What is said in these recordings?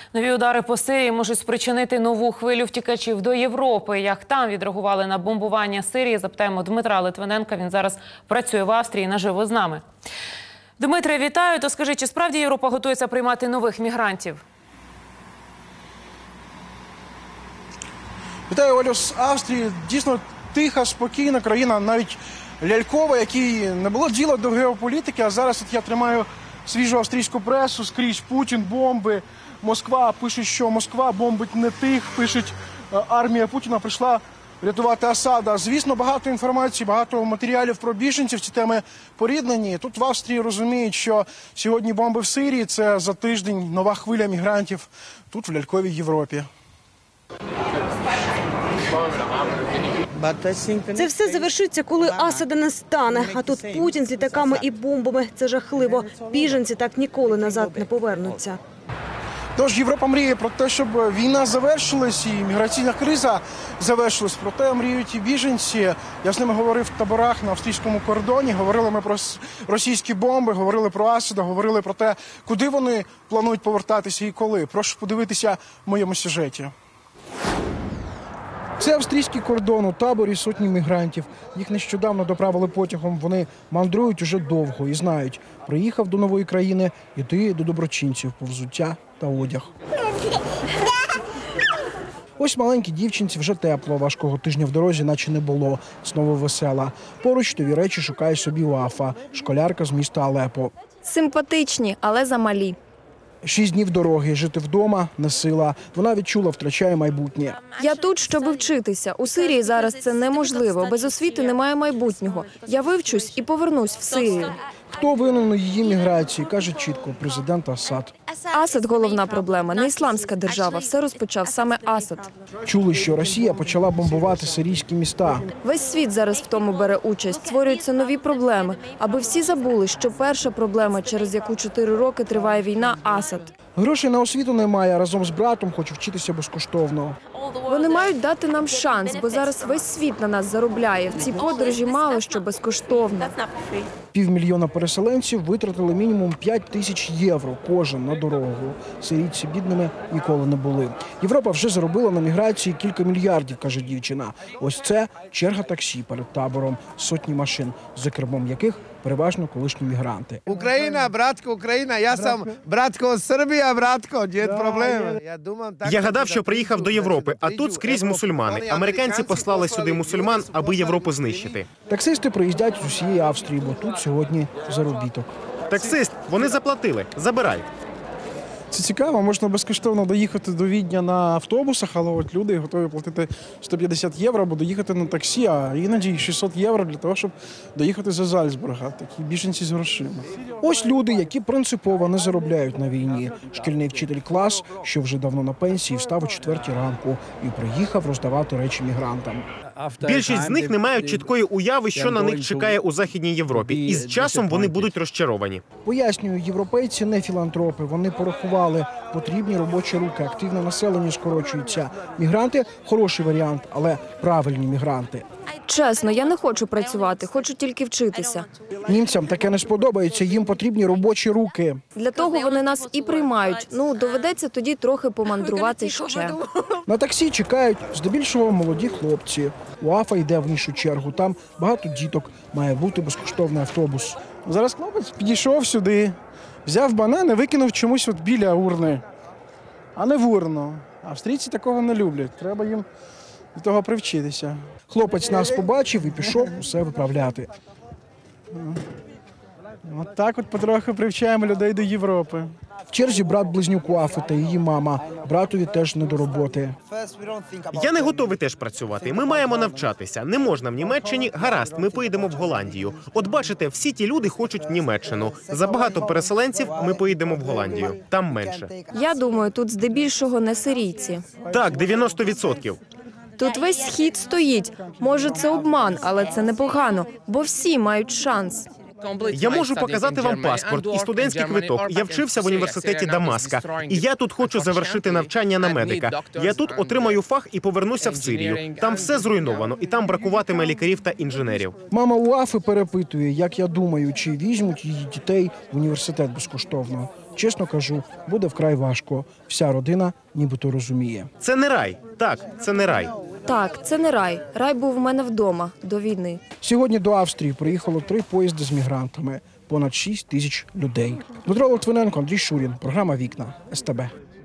Нові удари по Сирії можуть спричинити нову хвилю втікачів до Європи. Як там відреагували на бомбування Сирії, запитаємо Дмитра Литвиненка. Він зараз працює в Австрії, наживо з нами. Дмитре, вітаю. То скажи, чи справді Європа готується приймати нових мігрантів? Вітаю, Олю, з Австрії. Дійсно тиха, спокійна країна, навіть лялькова, якій не було діла до геополітики, а зараз от я тримаю свіжу австрійську пресу, скрізь Путін, бомби, Москва, пишуть, що Москва бомбить не тих, пишуть, армія Путіна прийшла рятувати Асада. Звісно, багато інформації, багато матеріалів про біженців, ці теми поріднені. Тут в Австрії розуміють, що сьогодні бомби в Сирії – це за тиждень нова хвиля мігрантів тут, в ляльковій Європі. Це все завершиться, коли Асада не стане. А тут Путін з літаками і бомбами. Це жахливо. Біженці так ніколи назад не повернуться. Тож Європа мріє про те, щоб війна завершилась і міграційна криза завершилась. Проте мріють і біженці. Я з ними говорив в таборах на австрійському кордоні. Говорили ми про російські бомби, говорили про Асада, говорили про те, куди вони планують повертатися і коли. Прошу подивитися в моєму сюжеті. Це австрійський кордон, у таборі сотні мігрантів. Їх нещодавно доправили потягом. Вони мандрують уже довго і знають, приїхав до нової країни, іти до доброчинців по взуття та одяг. Ось маленькій дівчинці вже тепло, важкого тижня в дорозі наче не було. Знову весела. Поруч нові речі шукає собі Уафа, школярка з міста Алепо. Симпатичні, але замалі. 6 днів дороги, жити вдома – не сила. Вона відчула, втрачає майбутнє. Я тут, щоб вчитися. У Сирії зараз це неможливо. Без освіти немає майбутнього. Я вивчусь і повернусь в Сирію. Хто винен у її міграції, каже чітко президент Асад. Асад – головна проблема. Не ісламська держава. Все розпочав саме Асад. Чули, що Росія почала бомбувати сирійські міста. Весь світ зараз в тому бере участь. Створюються нові проблеми. Аби всі забули, що перша проблема, через яку 4 роки триває війна – Асад. Грошей на освіту немає, а разом з братом хоче вчитися безкоштовно. Вони мають дати нам шанс, бо зараз весь світ на нас заробляє. В цій подорожі мало що безкоштовно. 500 000 переселенців витратили мінімум 5 тисяч євро кожен на дорогу. Сирійці бідними ніколи не були. Європа вже заробила на міграції кілька мільярдів, каже дівчина. Ось це черга таксі перед табором, сотні машин, за кермом яких переважно колишні мігранти. Україна, братко, Україна. Я сам братко, Сербія, братко, нет проблем. Я гадав, що приїхав до Європи, а тут скрізь мусульмани. Американці послали сюди мусульман, аби Європу знищити. Таксисти приїздять з усієї Австрії, бо тут сьогодні заробіток. Таксист, вони заплатили, забирають. Це цікаво, можна безкоштовно доїхати до Відня на автобусах, але от люди готові платити 150 євро, або доїхати на таксі, а іноді 600 євро для того, щоб доїхати за Зальцбурга. Такі біженці з грошима. Ось люди, які принципово не заробляють на війні. Шкільний вчитель клас, що вже давно на пенсії, встав о 4 ранку і приїхав роздавати речі мігрантам. Більшість з них не мають чіткої уяви, що на них чекає у Західній Європі. І з часом вони будуть розчаровані. Пояснюю, європейці не філантропи. Вони порахували, потрібні робочі руки, активне населення скорочується. Мігранти – хороший варіант, але правильні мігранти. Чесно, я не хочу працювати, хочу тільки вчитися. Німцям таке не сподобається, їм потрібні робочі руки. Для того вони нас і приймають. Доведеться тоді трохи помандрувати ще. На таксі чекають здебільшого молоді хлопці. Уафа йде в іншу чергу, там багато діток, має бути безкоштовний автобус. Зараз хлопець підійшов сюди, взяв банан і викинув чомусь от біля урни, а не в урну. Австрійці такого не люблять, треба їм до того привчитися. Хлопець нас побачив і пішов усе виправляти. От так от потроху привчаємо людей до Європи. В черзі брат-близнюк Уафи та її мама. Братові теж не до роботи. Я не готовий теж працювати. Ми маємо навчатися. Не можна в Німеччині. Гаразд, ми поїдемо в Голландію. От бачите, всі ті люди хочуть Німеччину. Забагато переселенців, ми поїдемо в Голландію. Там менше. Я думаю, тут здебільшого не сирійці. Так, 90%. Тут весь схід стоїть. Може, це обман, але це непогано, бо всі мають шанс. Я можу показати вам паспорт і студентський квиток. Я вчився в університеті Дамаска. І я тут хочу завершити навчання на медика. Я тут отримаю фах і повернуся в Сирію. Там все зруйновано, і там бракуватиме лікарів та інженерів. Мама Уафи перепитує, як я думаю, чи візьмуть її дітей в університет безкоштовно. Чесно кажу, буде вкрай важко. Вся родина нібито розуміє. Це не рай. Так, це не рай. Так, це не рай. Рай був у мене вдома до війни. Сьогодні до Австрії приїхало 3 поїзди з мігрантами. Понад 6 тисяч людей. Дмитро Литвиненко, Андрій Шурін. Програма «Вікна». СТБ.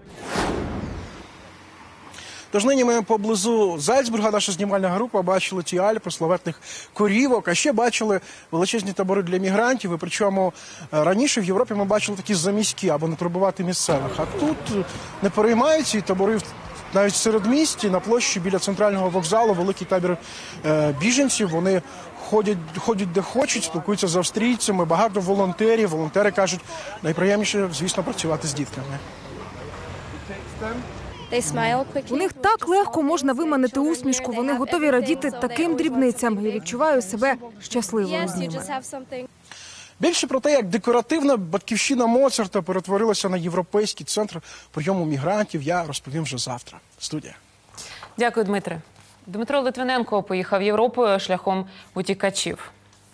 Тож нині ми поблизу Зальцбурга, наша знімальна група, бачили ті Альпи, славетних корівок, а ще бачили величезні табори для мігрантів. І причому раніше в Європі ми бачили такі заміські, або не турбувати місцевих. А тут не переймають ці табори навіть в середмісті, на площі біля центрального вокзалу, великий табір біженців. Вони ходять де хочуть, спілкуються з австрійцями, багато волонтерів. Волонтери кажуть, найприємніше, звісно, працювати з дітками. У них так легко можна виманити усмішку, вони готові радіти таким дрібницям. Я відчуваю себе щасливою з ними. Більше про те, як декоративна батьківщина Моцарта перетворилася на європейський центр прийому мігрантів, я розповім вже завтра. Студія. Дякую, Дмитре. Дмитро Литвиненко поїхав Європою шляхом утікачів.